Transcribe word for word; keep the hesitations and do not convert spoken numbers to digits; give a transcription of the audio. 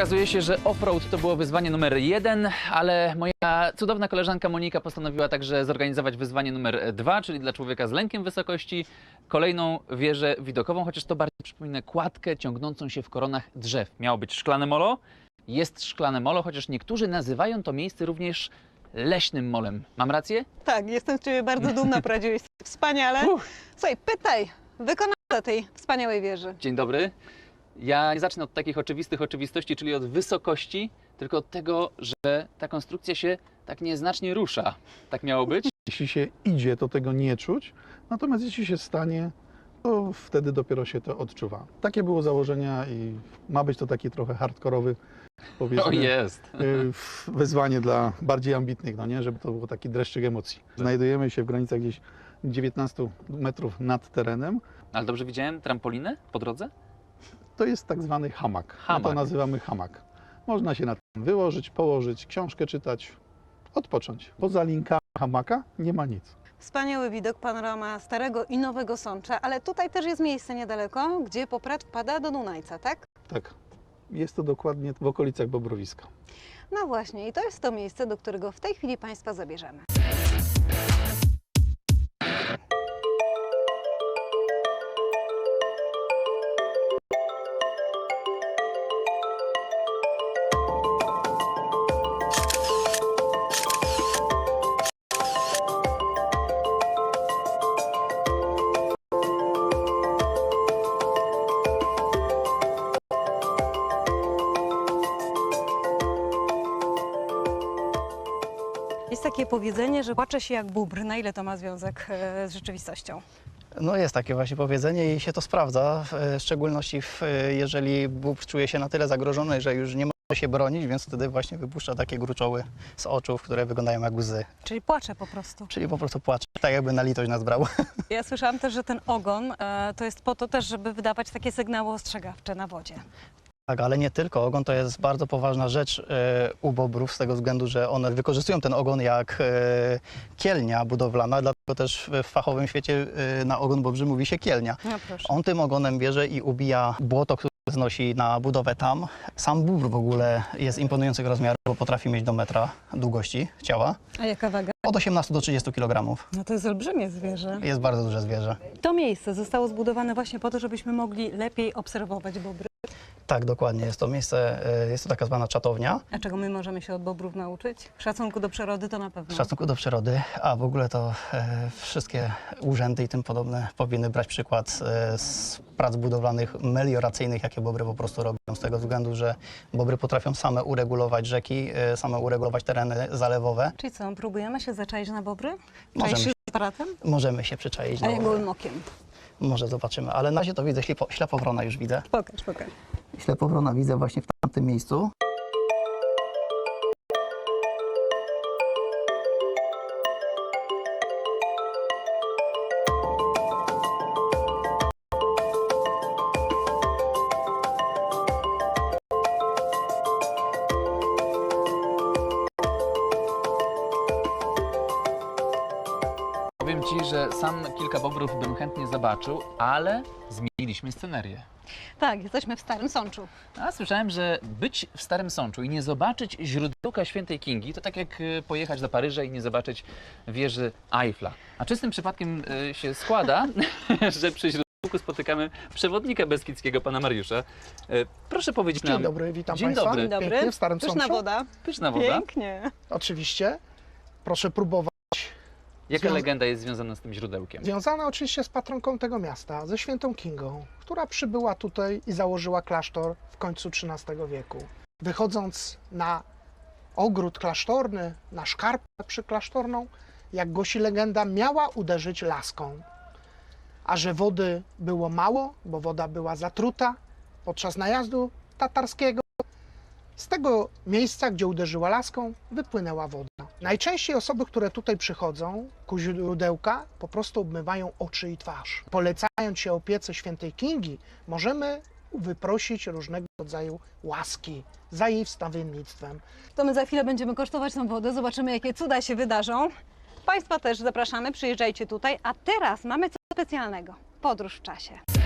Okazuje się, że offroad to było wyzwanie numer jeden, ale moja cudowna koleżanka Monika postanowiła także zorganizować wyzwanie numer dwa, czyli dla człowieka z lękiem wysokości, kolejną wieżę widokową, chociaż to bardziej przypomina kładkę ciągnącą się w koronach drzew. Miało być szklane molo, jest szklane molo, chociaż niektórzy nazywają to miejsce również leśnym molem. Mam rację? Tak, jestem z Ciebie bardzo dumna, poradziłeś sobie wspaniale. Uff. Słuchaj, pytaj wykonawcę tej wspaniałej wieży. Dzień dobry. Ja nie zacznę od takich oczywistych oczywistości, czyli od wysokości, tylko od tego, że ta konstrukcja się tak nieznacznie rusza. Tak miało być? Jeśli się idzie, to tego nie czuć, natomiast jeśli się stanie, to wtedy dopiero się to odczuwa. Takie było założenia i ma być to taki trochę hardkorowy, powiedzmy, O, jest. y, wyzwanie dla bardziej ambitnych, no nie, żeby to był taki dreszczyk emocji. Znajdujemy się w granicach gdzieś dziewiętnaście metrów nad terenem. Ale dobrze widziałem trampolinę po drodze? To jest tak zwany hamak. Hamak. My to nazywamy hamak. Można się na tym wyłożyć, położyć, książkę czytać, odpocząć. Poza linkami hamaka nie ma nic. Wspaniały widok, panorama Starego i Nowego Sącza, ale tutaj też jest miejsce niedaleko, gdzie poprat wpada do Dunajca, tak? Tak, jest to dokładnie w okolicach Bobrowiska. No właśnie, i to jest to miejsce, do którego w tej chwili Państwa zabierzemy. Jest takie powiedzenie, że płacze się jak bóbr. Na ile to ma związek e, z rzeczywistością? No jest takie właśnie powiedzenie i się to sprawdza, w szczególności w, jeżeli bóbr czuje się na tyle zagrożony, że już nie może się bronić, więc wtedy właśnie wypuszcza takie gruczoły z oczu, które wyglądają jak łzy. Czyli płacze po prostu. Czyli po prostu płacze, tak jakby na litość nas brał. Ja słyszałam też, że ten ogon e, to jest po to też, żeby wydawać takie sygnały ostrzegawcze na wodzie. Tak, ale nie tylko. Ogon to jest bardzo poważna rzecz e, u bobrów z tego względu, że one wykorzystują ten ogon jak e, kielnia budowlana, dlatego też w fachowym świecie e, na ogon bobrzy mówi się kielnia. No proszę. On tym ogonem bierze i ubija błoto, które znosi na budowę tam. Sam bóbr w ogóle jest imponujących rozmiarów, bo potrafi mieć do metra długości ciała. A jaka waga? Od osiemnastu do trzydziestu kilogramów. No to jest olbrzymie zwierzę. Jest bardzo duże zwierzę. To miejsce zostało zbudowane właśnie po to, żebyśmy mogli lepiej obserwować bobry. Tak, dokładnie. Jest to miejsce, e, jest to taka zwana czatownia. A czego my możemy się od bobrów nauczyć? Szacunku do przyrody to na pewno. W szacunku do przyrody, a w ogóle to e, wszystkie urzędy i tym podobne powinny brać przykład e, z prac budowlanych melioracyjnych, jakie bobry po prostu robią, z tego względu, że bobry potrafią same uregulować rzeki, e, same uregulować tereny zalewowe. Czyli co, próbujemy się zaczaić na bobry? Możemy Czaisz się. się z aparatem? Możemy się przyczaić. A no, ja gołym okiem. może zobaczymy, ale na razie to widzę, ślepo, ślepowrona już widzę. Pokaż, pokaż. Ślepowrona widzę właśnie w tamtym miejscu. Powiem Ci, że sam kilka bobrów bym chętnie zobaczył, ale zmieniliśmy scenerię. Tak, jesteśmy w Starym Sączu. A słyszałem, że być w Starym Sączu i nie zobaczyć źródełka Świętej Kingi, to tak jak y, pojechać do Paryża i nie zobaczyć wieży Eiffla. A czystym przypadkiem y, się składa, że przy źródełku spotykamy przewodnika beskidzkiego, pana Mariusza. Y, Proszę powiedzieć nam... Dzień dobry, witam Dzień Państwa. dobry. Dzień dobry. Pięknie w Starym Pyszna Sączu. woda. Pyszna woda. Pięknie. Oczywiście. Proszę próbować. Jaka Związa- legenda jest związana z tym źródełkiem? Związana oczywiście z patronką tego miasta, ze świętą Kingą, która przybyła tutaj i założyła klasztor w końcu trzynastego wieku. Wychodząc na ogród klasztorny, na szkarpę przyklasztorną, jak głosi legenda, miała uderzyć laską. A że wody było mało, bo woda była zatruta podczas najazdu tatarskiego, z tego miejsca, gdzie uderzyła laską, wypłynęła woda. Najczęściej osoby, które tutaj przychodzą ku źródełka, po prostu obmywają oczy i twarz. Polecając się opiece świętej Kingi, możemy wyprosić różnego rodzaju łaski za jej wstawiennictwem. To my za chwilę będziemy kosztować tą wodę, zobaczymy, jakie cuda się wydarzą. Państwa też zapraszamy, przyjeżdżajcie tutaj, a teraz mamy coś specjalnego. Podróż w czasie.